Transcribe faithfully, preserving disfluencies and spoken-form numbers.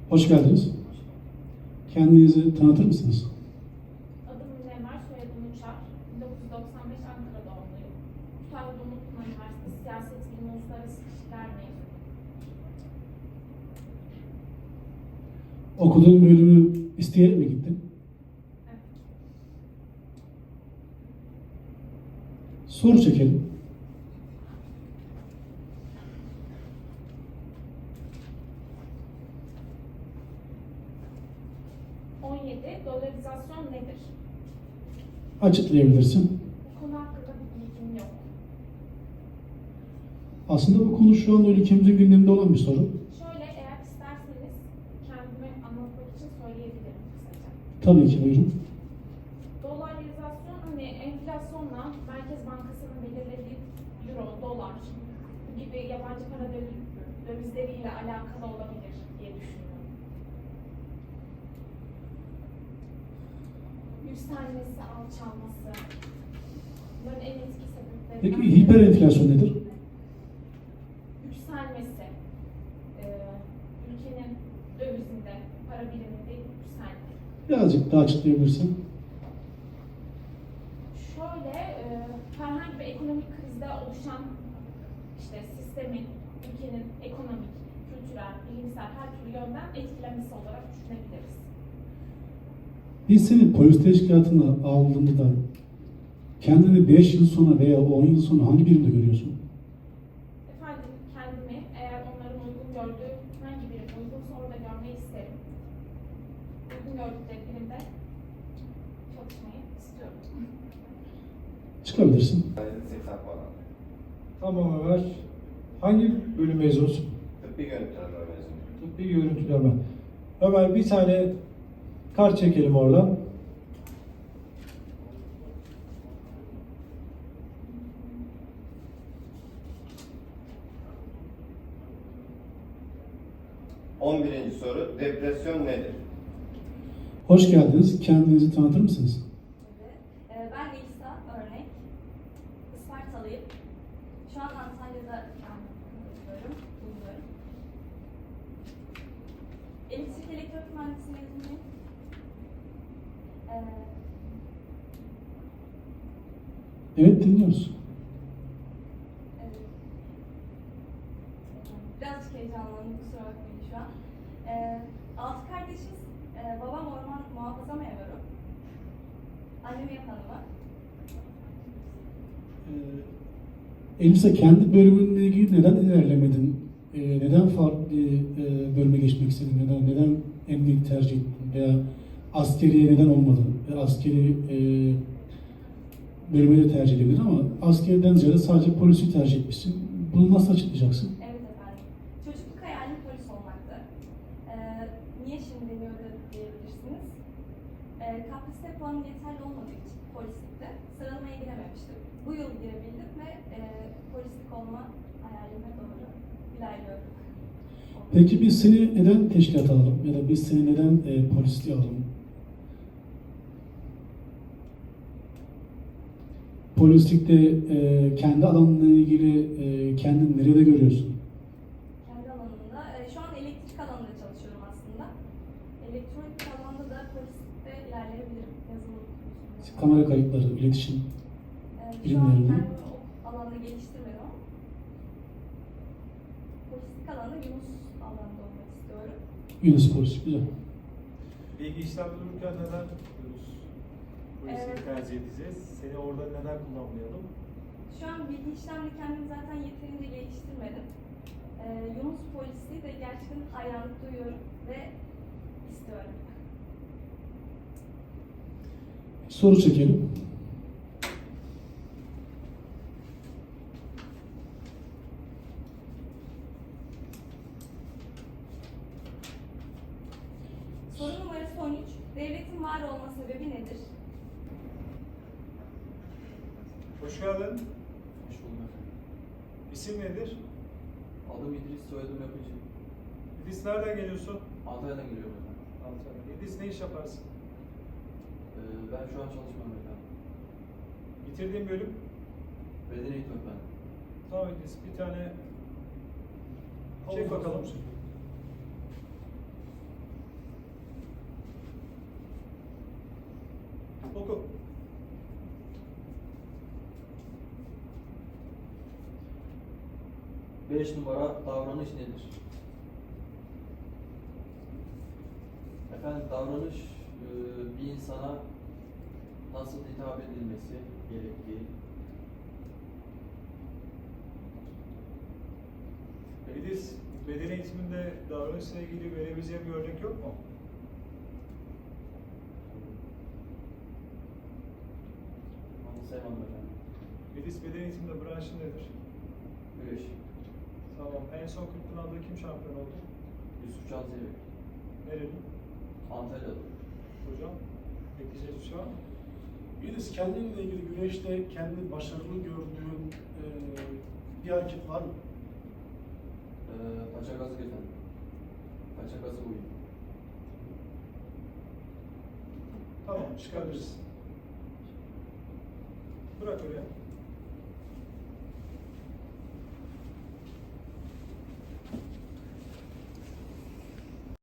Hoş geldiniz. Kendinizi tanıtır mısınız? Adım Münevver, soyadım Uçar. bin dokuz yüz doksan beş Ankara doğumluyum. Kütahya Dumlupınar Üniversitesi Siyaset Bilimi Uluslararası İlişkiler mezunuyum. Okuduğun bölümü isteyerek mi gittin? Evet. Soru çekelim. on yedi. Dolarizasyon nedir? Açıklayabilirsin. Bu konu hakkında bir bilgim yok. Aslında bu konu şu anda ülkemizin gündeminde olan bir soru. Şöyle, eğer isterseniz kendimi anlatmak için söyleyebilirim kısaca. Tabii ki, buyurun. Dolarizasyon, hani enflasyonla Merkez Bankası'nın belirlediği euro, dolar gibi yabancı para döviz- dövizleriyle alakalı olabilir diye düşünüyorum. Yükselmesi, alçalması, bunların en etkili sebeplerinden Peki biri hiperenflasyon nedir? yükselmesi, e, ülkenin dövizinde, para biriminde yükselmesi. Birazcık daha açıklayabilirsin. Şöyle, e, herhangi bir ekonomik krizde oluşan işte sistemin, ülkenin ekonomik, kültürel, bilimsel her türlü yönden etkilemesi olarak düşünebiliriz. Biz seni polis teşkilatına aldığında kendini beş yıl sonra veya on yıl sonra hangi birimde görüyorsun? Efendim, kendimi eğer onların uygun gördüğü hangi birim uygunsa orada görmeyi isterim. Uygun gördükleri birimde çalışmayı istiyorum. Çıkabilirsin. seksen puan aldım. Tamam Ömer. Hangi bölüm mezunusun? Tıbbi görüntüleme mezunuyum. Tıbbi görüntüleme. Ömer bir tane kart çekelim oradan. on birinci soru, depresyon nedir? Hoş geldiniz. Kendinizi tanıtır mısınız? Ee, Ben Elisa Örnek, Ispartalıyım. Şu an Antalya'da oturuyorum, bulunuyorum. Elektrik elektronik mühendisi mezunuyum. Ee, Evet, dinliyoruz. evet. Birazcık heyecanlandım, kusura bakmayın şu an. Ee, altı kardeşiz. Ee, babam orman muhafaza memuru. Annem ev hanımı. Ee, Elisa, kendi bölümünle ilgili neden ilerlemedin? Ee, neden farklı e, bölüme geçmek istedin? Neden, neden emniyet tercih ettin? Veya askeriye neden olmadın? Veya askeri e, bölümü de tercih edebilir ama askeriden ziyade sadece polisi tercih etmişsin. Bunu nasıl açıklayacaksın? Evet efendim. Çocukluk hayalim polis olmaktı. Ee, niye şimdi deniyordu diyebilirsiniz. Ee, K P S S puanım yeterli olmadığı için polislikte sıralamaya girememiştim. Bu yıl girebildim ve e, polislik olma hayalime doğru ilerliyorum. Peki biz seni neden teşkilat alalım? Ya da biz seni neden e, polisliğe alalım? Polislikte e, kendi alanına ilgili e, kendini nerede görüyorsun? Kendi alanımda, e, şu an elektrik alanında çalışıyorum aslında. Elektronik alanda da polislikte ilerleyebilirim. Yazılım konusunda. Kamera kayıtları, iletişim. Ee, Şu an bilimlerini. kendimi o alanda geliştirmedim ama polislik alanda Yunus alanda olmak istiyorum. Yunus Polis, güzel. Bilgi işlem dururken neden Yunus polisi Evet. tercih edeceğiz? Seni orada neden kullanmayalım? Şu an bilgi işlemle kendimi zaten yeterince geliştirmedim. Ee, Yunus polisi de gerçekten hayranlık duyuyorum ve istiyorum. Soru çekelim. Soru numarası on üç. Devletin var olma sebebi nedir? Hoş geldin. Hoş buldum efendim. İsim nedir? Adım İdris, soyadım Yapıcı. İdris, nereden geliyorsun? Antalya'dan geliyorum efendim. Antalya. İdris, ne iş yaparsın? Ee, ben şu an çalışmıyorum efendim. Bitirdiğin bölüm? Beden eğitimi efendim. Tamam İdris, bir tane çek bakalım. Oku. Beş numara davranış nedir? Efendim davranış e, bir insana nasıl hitap edilmesi gerektiği. Edis, beden eğitiminde davranışla ilgili verebileceğim bir örnek yok mu? Anımsayamadım efendim. Edis, beden eğitiminde branşı nedir? Güreş. Tamam, en son kırk Pınar'da kim şampiyon oldu? Yusuf Can Zeybek. Nereli? Antalya'da. Hocam, bekleyeceğiz bir şey var mı? Yeliz, kendinle ilgili güreşte kendi başarılı gördüğün e, bir hareket var mı? Ee, paça gazı efendim. Paça gazı buydu. Tamam, çıkabiliriz. Bırak oraya.